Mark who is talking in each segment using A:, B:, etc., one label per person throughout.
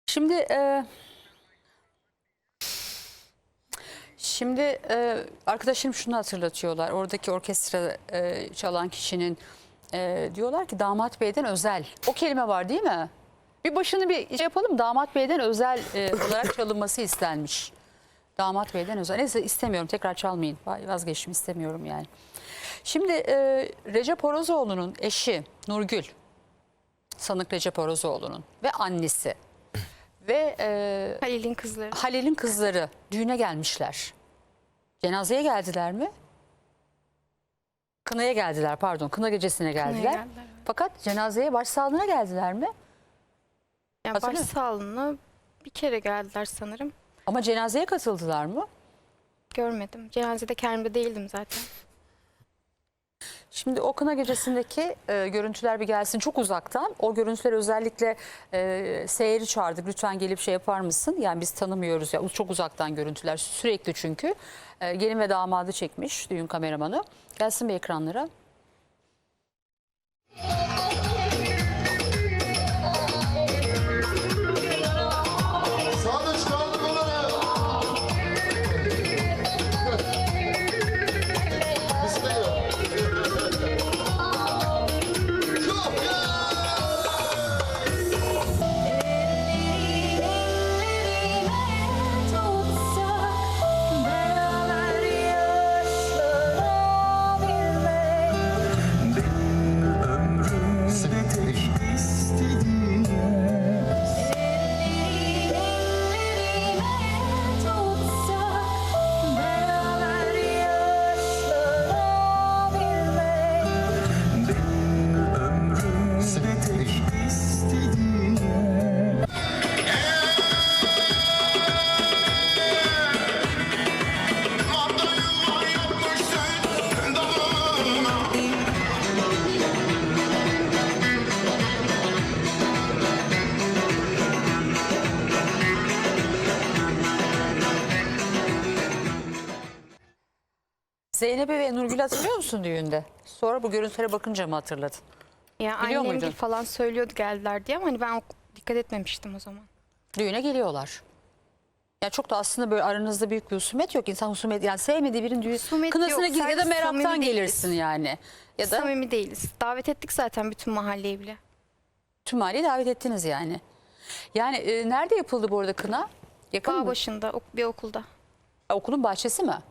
A: Şimdi arkadaşlarım şunu hatırlatıyorlar. Oradaki orkestra çalan kişinin diyorlar ki damat beyden özel. O kelime var değil mi? Bir başını bir şey yapalım. Damat beyden özel olarak çalınması istenmiş. Damat beyden özel. Neyse istemiyorum. Tekrar çalmayın. Vazgeçtim, istemiyorum yani. Şimdi Recep Orozoğlu'nun eşi Nurgül, sanık Recep Orozoğlu'nun ve annesi ve Halil'in kızları düğüne gelmişler. Cenazeye geldiler mi? Kınaya geldiler, pardon. Kına gecesine geldiler. Fakat cenazeye başsağlığına geldiler mi?
B: Yani başsağlığına bir kere geldiler sanırım.
A: Ama cenazeye katıldılar mı?
B: Görmedim. Cenazede kendimde değildim zaten.
A: Şimdi o kına gecesindeki görüntüler bir gelsin, çok uzaktan. O görüntüler özellikle seyirci çağırdık. Lütfen gelip şey yapar mısın? Yani biz tanımıyoruz ya, çok uzaktan görüntüler sürekli çünkü. Gelin ve damadı çekmiş düğün kameramanı. Gelsin bir ekranlara. Zeynep'i ve Nurgül'ü hatırlıyor musun düğünde? Sonra bu görüntülere bakınca mı hatırladın?
B: Ya
A: Biliyor
B: annem
A: muydun?
B: falan söylüyordu geldiler diye ama hani ben dikkat etmemiştim o zaman.
A: Düğüne geliyorlar. Ya çok da aslında böyle aranızda büyük bir husumet yok. İnsan husumet, yani sevmediği birinin düğün kınasına
B: yok,
A: gir ya da
B: sadece
A: meraktan
B: samimi
A: gelirsin
B: değiliz.
A: yani. Ya da
B: Samimi değiliz. Davet ettik zaten bütün mahalleyi bile.
A: tüm mahalleyi davet ettiniz yani. Yani nerede yapıldı bu arada kına? Yakın mı?
B: Bağ başında bir okulda.
A: Okulun bahçesi mi?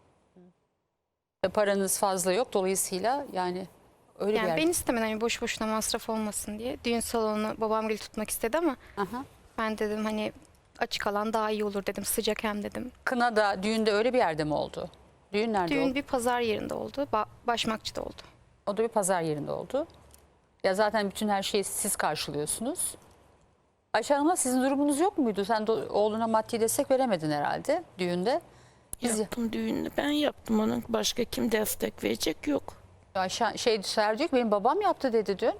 A: Paranız fazla yok dolayısıyla yani öyle bir
B: Yani
A: yer.
B: ben istemedim hani boş boşuna masraf olmasın diye. Düğün salonunu babam gibi tutmak istedi ama
A: Aha.
B: ben dedim hani açık alan daha iyi olur dedim. Sıcak hem dedim.
A: Kına da düğünde öyle bir yerde mi oldu? Düğün nerede
B: Düğün
A: oldu?
B: bir pazar yerinde oldu. Başmakçı'da oldu.
A: O da bir pazar yerinde oldu. Ya zaten bütün her şeyi siz karşılıyorsunuz. Ayşe Hanım'la sizin durumunuz yok muydu? Sen de oğluna maddi destek veremedin herhalde düğünde.
C: Yaptım düğünü. Ben yaptım onun. Başka kim destek verecek yok.
A: Ayşe Ser diyor ki benim babam yaptı dedi dün.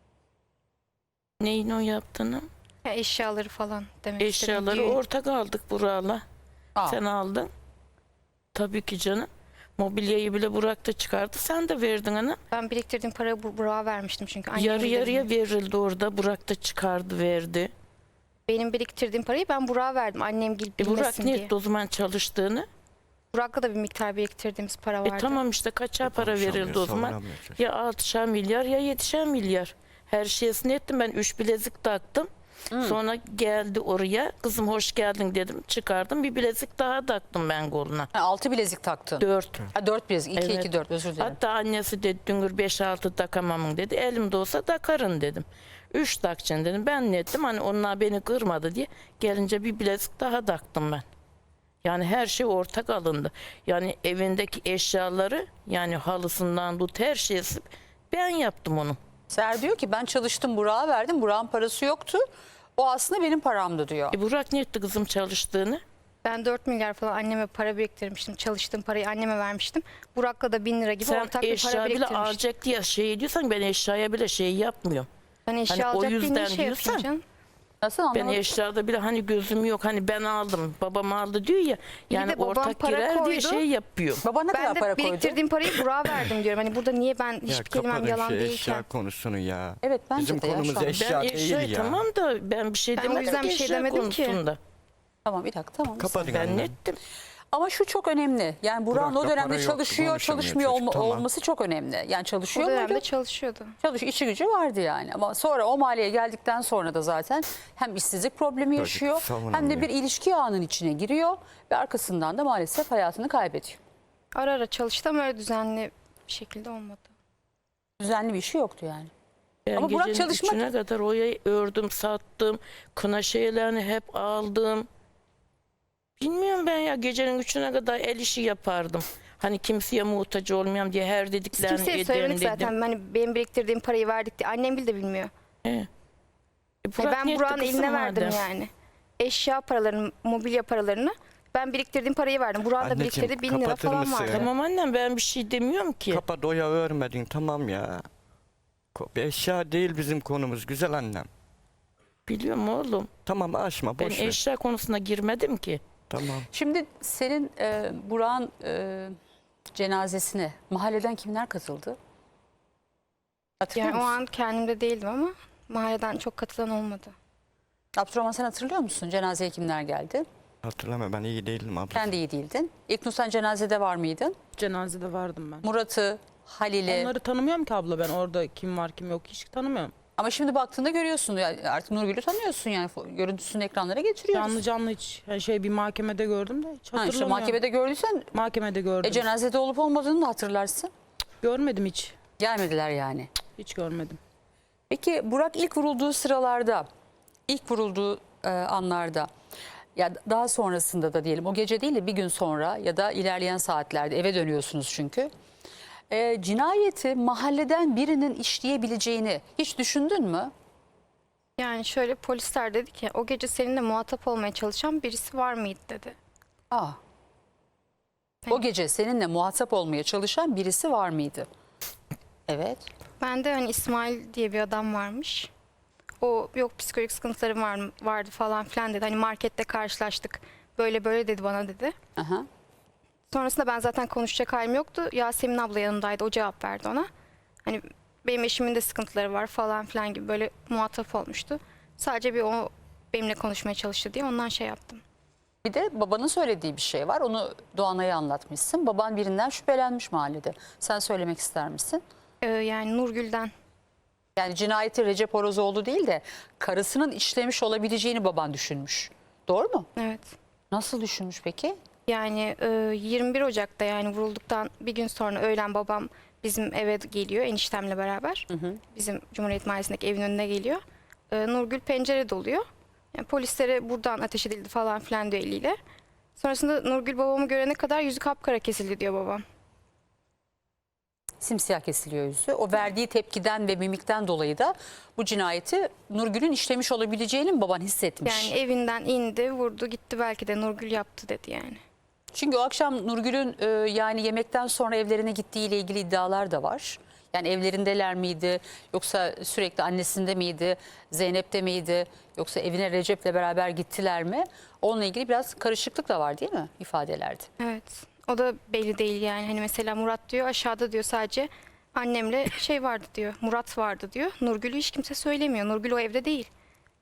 C: Neyin o yaptığını?
B: Ya eşyaları falan demek
C: Eşyaları
B: istedim. Düğün-
C: ortak aldık Burak'la.
A: Aa.
C: Sen aldın. Tabii ki canım. Mobilyayı bile Burak da çıkardı. Sen de verdin ana.
B: Ben biriktirdiğim parayı Burak'a vermiştim çünkü. Annem
C: Yarı
B: bildirdi.
C: yarıya verildi orada. Burak da çıkardı verdi.
B: Benim biriktirdiğim parayı ben Burak'a verdim. Annem
C: Burak
B: bilmesin
C: ne
B: diye.
C: etti o zaman çalıştığını?
B: Burak'la da bir miktar biriktirdiğimiz para vardı.
C: Tamam işte kaça para verildi o zaman? Ya 6'şer milyar ya 7'şer milyar. Her şeysini ettim ben. 3 bilezik taktım. Sonra geldi oraya. Kızım hoş geldin dedim. Çıkardım. Bir bilezik daha taktım ben koluna.
A: 6 bilezik taktın.
C: 4.
A: 4 bilezik. 2
C: Evet.
A: 2 4 özür dilerim.
C: Hatta annesi dedi Düngür 5-6 takamamın dedi. Elimde olsa takarın dedim. 3 takacaksın dedim. Ben ne ettim hani onlar beni kırmadı diye. Gelince bir bilezik daha taktım ben. Yani her şey ortak alındı. Yani evindeki eşyaları yani halısından tut her şeysi ben yaptım onu.
A: Ser diyor ki ben çalıştım Burak'a verdim. Burak'ın parası yoktu. O aslında benim paramdı diyor.
C: Burak ne etti kızım çalıştığını?
B: Ben 4 milyar falan anneme para biriktirmiştim. Çalıştığım parayı anneme vermiştim. Burak'la da 1000 lira gibi
C: Sen
B: ortak bir para
C: eşya bile
B: biriktirmiştim.
C: alacak diye şey diyorsan ben eşyaya bile şey yapmıyorum.
B: Ben eşya
C: Hani o
B: alacak diye
C: yüzden
B: ne şey
C: diyorsan-
B: yapayım canım?
A: Nasıl
C: Ben
A: anlamadım?
C: eşyada bile hani gözüm yok, hani ben aldım, babam aldı diyor ya. Yani
B: de babam
C: ortak
B: para
C: girer diye
B: koydu.
C: şey yapıyor.
A: Baba ne
B: Ben
A: kadar
B: de
A: para koydu?
B: biriktirdiğim parayı Burak'a verdim diyorum. Hani burada niye ben
D: Ya
B: hiçbir kelimem
D: kapatın
B: yalan
D: şu
B: değilken.
D: eşya konusunu ya.
A: Evet, bence
D: Bizim
A: de ya,
D: konumuz
A: şu an.
D: eşya
C: Ben
D: değil
C: eşya
D: ya.
C: tamam da ben bir şey
B: Ben o
C: demedim
B: yüzden
C: ki
B: bir şey
C: eşya
B: demedim ki.
C: konusunda.
A: Tamam, bir dakika, tamam.
D: Kapatın
C: Ben
D: annem.
C: nettim.
A: Ama şu çok önemli. Yani Burak'ın o
D: Burak'ta
A: dönemde
D: para yok,
A: çalışıyor,
D: konuşamıyor
A: çalışmıyor
D: çocuk, tamam.
A: olması çok önemli. Yani
B: O
A: çalışıyor
B: dönemde
A: muydu?
B: çalışıyordu.
A: İşi gücü vardı yani. Ama sonra o mahalleye geldikten sonra da zaten hem işsizlik problemi
D: Çocuk
A: yaşıyor hem de
D: savunamıyor.
A: bir ilişki ağının içine giriyor ve arkasından da maalesef hayatını kaybediyor.
B: Ara ara çalıştı ama öyle düzenli bir şekilde olmadı.
A: Düzenli bir işi yoktu yani.
C: Ben
A: Ama Burak
C: gecenin
A: çalışmak-
C: 3'üne kadar oyayı ördüm, sattım. Kına şeylerini hep aldım. Bilmiyorum ben ya, gecenin 3'üne kadar el işi yapardım. Hani kimseye muhtaç olmayayım diye her
B: Biz
C: dediklerini
B: kimseye
C: ederim
B: söylemedik
C: dedim.
B: zaten. Hani benim biriktirdiğim parayı verdik diye. Annem bile de bilmiyor.
C: He.
B: Yani
C: Burak
B: ben
C: niyetti
B: Burak'ın
C: kızım
B: eline verdim
C: madem.
B: yani. Eşya paralarını, mobilya paralarını ben biriktirdiğim parayı verdim. Burak'ın da
D: Anneciğim,
B: biriktirdiği 1000 lira
D: kapatır
B: falan
D: mısın?
B: vardı.
C: Tamam annem, ben bir şey demiyorum ki.
D: Kapat, oya örmedin tamam ya. Eşya değil bizim konumuz güzel annem.
C: Biliyorum oğlum.
D: Tamam açma,
C: Ben
D: boş ver.
C: eşya konusuna girmedim ki.
D: Tamam.
A: Şimdi senin Burak'ın cenazesine mahalleden kimler katıldı? Hatırlıyor
B: Yani o
A: musun?
B: an kendimde değildim ama mahalleden çok katılan olmadı.
A: Abdurrahman, sen hatırlıyor musun? Cenazeye kimler geldi?
D: Hatırlama, ben iyi değilim abla.
A: Sen de iyi değildin. İlknur, sen cenazede var mıydın?
E: Cenazede vardım ben.
A: Murat'ı, Halil'i.
E: Onları tanımıyorum ki abla, ben orada kim var kim yok hiç tanımıyorum.
A: Ama şimdi baktığında görüyorsun. Yani artık Nurgül'ü tanıyorsun yani. Görüntüsünü ekranlara getiriyoruz.
E: Canlı canlı hiç yani bir mahkemede gördüm de hiç
A: Ha, işte
E: hatırlamıyorum.
A: mahkemede gördüysen
E: Mahkemede gördüm.
A: cenazede olup olmadığını da hatırlarsın.
E: Görmedim hiç.
A: Gelmediler yani.
E: Hiç görmedim.
A: Peki Burak ilk vurulduğu sıralarda, ilk vurulduğu anlarda, ya daha sonrasında da diyelim, o gece değil de bir gün sonra ya da ilerleyen saatlerde eve dönüyorsunuz çünkü. Cinayeti mahalleden birinin işleyebileceğini hiç düşündün mü?
B: Yani şöyle, polisler dedi ki o gece seninle muhatap olmaya çalışan birisi var mıydı dedi.
A: Aa. O gece seninle muhatap olmaya çalışan birisi var mıydı? Evet.
B: Ben de hani İsmail diye bir adam varmış. O yok psikolojik sıkıntılarım vardı falan filan dedi. Hani markette karşılaştık. Böyle böyle dedi bana dedi.
A: Aha.
B: Sonrasında ben zaten konuşacak halim yoktu. Yasemin abla yanımdaydı. O cevap verdi ona. Hani benim eşimin de sıkıntıları var falan filan gibi böyle muhatap olmuştu. Sadece bir o benimle konuşmaya çalıştı diye ondan şey yaptım.
A: Bir de babanın söylediği bir şey var. Onu Doğanay'a anlatmışsın. Baban birinden şüphelenmiş mahallede. Sen söylemek ister misin?
B: Yani Nurgül'den.
A: Yani cinayeti Recep Orozoğlu değil de karısının işlemiş olabileceğini baban düşünmüş. Doğru mu?
B: Evet.
A: Nasıl düşünmüş peki?
B: Yani 21 Ocak'ta yani vurulduktan bir gün sonra öğlen babam bizim eve geliyor eniştemle beraber. Bizim Cumhuriyet Mahallesi'ndeki evin önüne geliyor. Nurgül pencerede oluyor. Yani polislere buradan ateş edildi falan filan diyor eliyle. Sonrasında Nurgül babamı görene kadar yüzü kapkara kesildi diyor babam.
A: Simsiyah kesiliyor yüzü. O verdiği tepkiden ve mimikten dolayı da bu cinayeti Nurgül'ün işlemiş olabileceğini mi baban hissetmiş?
B: Yani evinden indi, vurdu, gitti, belki de Nurgül yaptı dedi yani.
A: Çünkü o akşam Nurgül'ün yani yemekten sonra evlerine gittiği ile ilgili iddialar da var. Yani evlerindeler miydi, yoksa sürekli annesinde miydi, Zeynep'te miydi, yoksa evine Recep'le beraber gittiler mi? Onunla ilgili biraz karışıklık da var değil mi ifadelerde?
B: Evet. O da belli değil yani. Hani mesela Murat diyor aşağıda diyor sadece annemle şey vardı diyor. Murat vardı diyor. Nurgül'ü hiç kimse söylemiyor. Nurgül o evde değil.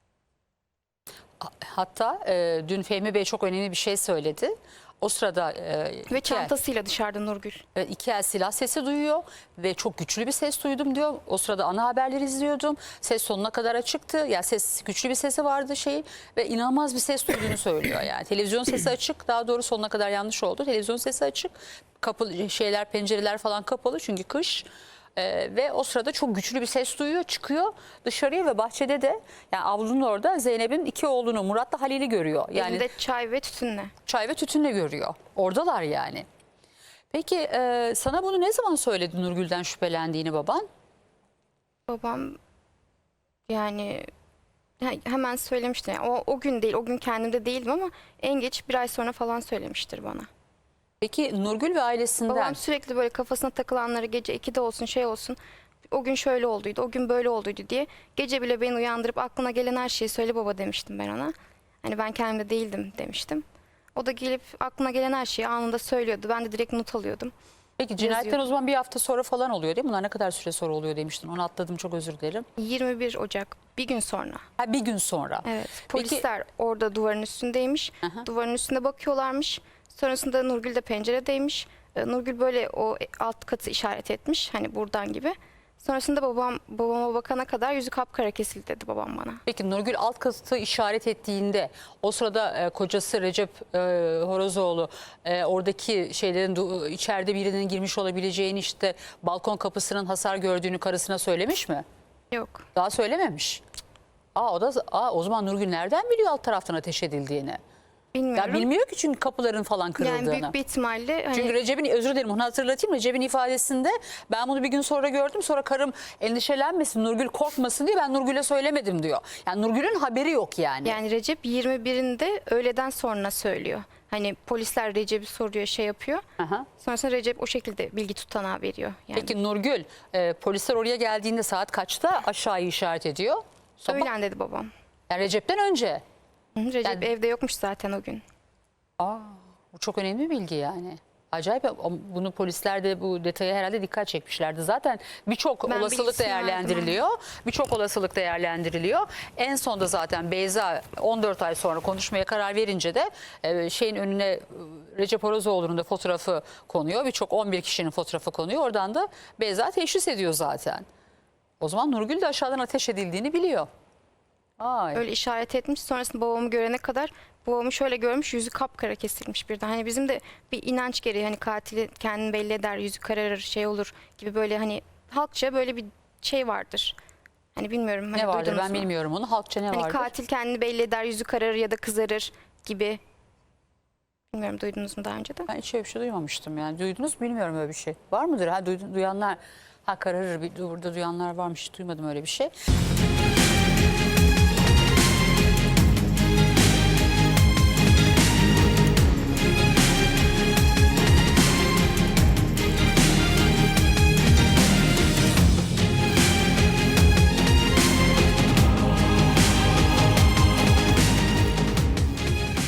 A: Hatta dün Fehmi Bey çok önemli bir şey söyledi. O sırada
B: Ve çantasıyla dışarıda Nurgül.
A: iki el silah sesi duyuyor ve çok güçlü bir ses duydum diyor. O sırada ana haberleri izliyordum. Ses sonuna kadar açıktı. Ya ses, güçlü bir sesi vardı ve inanılmaz bir ses duyduğunu söylüyor yani. Televizyon sesi açık. Daha doğru sonuna kadar yanlış oldu. Televizyon sesi açık. Kapı pencereler falan kapalı çünkü kış. Ve o sırada çok güçlü bir ses duyuyor, çıkıyor dışarıya ve bahçede de yani avlunun orada Zeynep'in iki oğlunu Murat'la Halil'i görüyor. Yani
B: Elinde çay ve tütünle.
A: çay ve tütünle görüyor. Oradalar yani. Peki sana bunu ne zaman söyledi Nurgül'den şüphelendiğini baban?
B: Babam yani hemen söylemişti. Yani o gün değil, o gün kendimde değildim ama en geç bir ay sonra falan söylemiştir bana.
A: Peki Nurgül ve ailesinden
B: Babam sürekli böyle kafasına takılanları gece 2'de olsun şey olsun O gün şöyle olduydu, o gün böyle olduydu diye. Gece bile beni uyandırıp aklına gelen her şeyi söyle baba demiştim ben ona. Hani ben kendimde değildim demiştim. O da gelip aklına gelen her şeyi anında söylüyordu. Ben de direkt not alıyordum.
A: Peki cinayetten
B: Yazıyordu.
A: o zaman bir hafta sonra falan oluyor değil mi? Bunlar ne kadar süre sonra oluyor demiştin. Onu atladım, çok özür dilerim.
B: 21 Ocak bir gün sonra.
A: Ha, bir gün sonra.
B: Evet.
A: Peki-
B: Polisler orada duvarın üstündeymiş.
A: Aha.
B: Duvarın üstünde bakıyorlarmış. Sonrasında Nurgül de penceredeymiş. Nurgül böyle o alt katı işaret etmiş. Hani buradan gibi. Sonrasında babama bakana kadar yüzü kapkara kesildi dedi babam bana.
A: Peki Nurgül alt katı işaret ettiğinde o sırada kocası Recep Horozoğlu oradaki şeylerin içeride birinin girmiş olabileceğini, işte balkon kapısının hasar gördüğünü karısına söylemiş mi?
B: Yok.
A: Daha söylememiş. O zaman Nurgül nereden biliyor alt taraftan ateş edildiğini?
B: Bilmiyorum.
A: Ya bilmiyor ki, çünkü kapıların falan kırıldığını.
B: Yani büyük bir ihtimalle hani
A: Çünkü Recep'in, özür dilerim onu hatırlatayım, Recep'in ifadesinde ben bunu bir gün sonra gördüm, sonra karım endişelenmesin, Nurgül korkmasın diye ben Nurgül'e söylemedim diyor. Yani Nurgül'ün haberi yok yani.
B: yani Recep 21'inde öğleden sonra söylüyor. Hani polisler Recep'i soruyor, şey yapıyor.
A: Aha.
B: Sonrasında Recep o şekilde bilgi tutanağı veriyor. Yani
A: Peki Nurgül polisler oraya geldiğinde saat kaçta aşağıyı işaret ediyor? Sabah.
B: öğlen dedi babam.
A: Yani Recep'ten önce.
B: Hı, Recep
A: Yani-
B: evde yokmuş zaten o gün.
A: Bu çok önemli bir bilgi yani. Acayip. Bunu polisler de bu detaya herhalde dikkat çekmişlerdi. Zaten birçok
B: Ben
A: olasılık
B: bilgisini
A: değerlendiriliyor. Birçok olasılık değerlendiriliyor. En sonda zaten Beyza 14 ay sonra konuşmaya karar verince de şeyin önüne Recep Horozoğlu'nun da fotoğrafı konuyor. Birçok 11 kişinin fotoğrafı konuyor. Oradan da Beyza teşhis ediyor zaten. O zaman Nurgül de aşağıdan ateş edildiğini biliyor. Ay.
B: Öyle işaret etmiş. Sonrasında babamı görene kadar babamı şöyle görmüş, yüzü kapkara kesilmiş birden. Hani bizim de bir inanç gereği, hani katili kendini belli eder, yüzü kararır, şey olur gibi, böyle hani halkça böyle bir şey vardır. Hani bilmiyorum. Hani
A: Ne vardır
B: duydunuz
A: ben
B: mu?
A: bilmiyorum onu. Halkça ne
B: Hani
A: vardır?
B: katil kendini belli eder, yüzü kararır ya da kızarır gibi. Bilmiyorum, duydunuz mu daha önce de?
A: Ben hiç öyle bir şey duymamıştım yani. Duydunuz mu bilmiyorum öyle bir şey. Var mıdır? Ha, duyanlar, ha kararır, burada duyanlar varmış. Hiç duymadım öyle bir şey.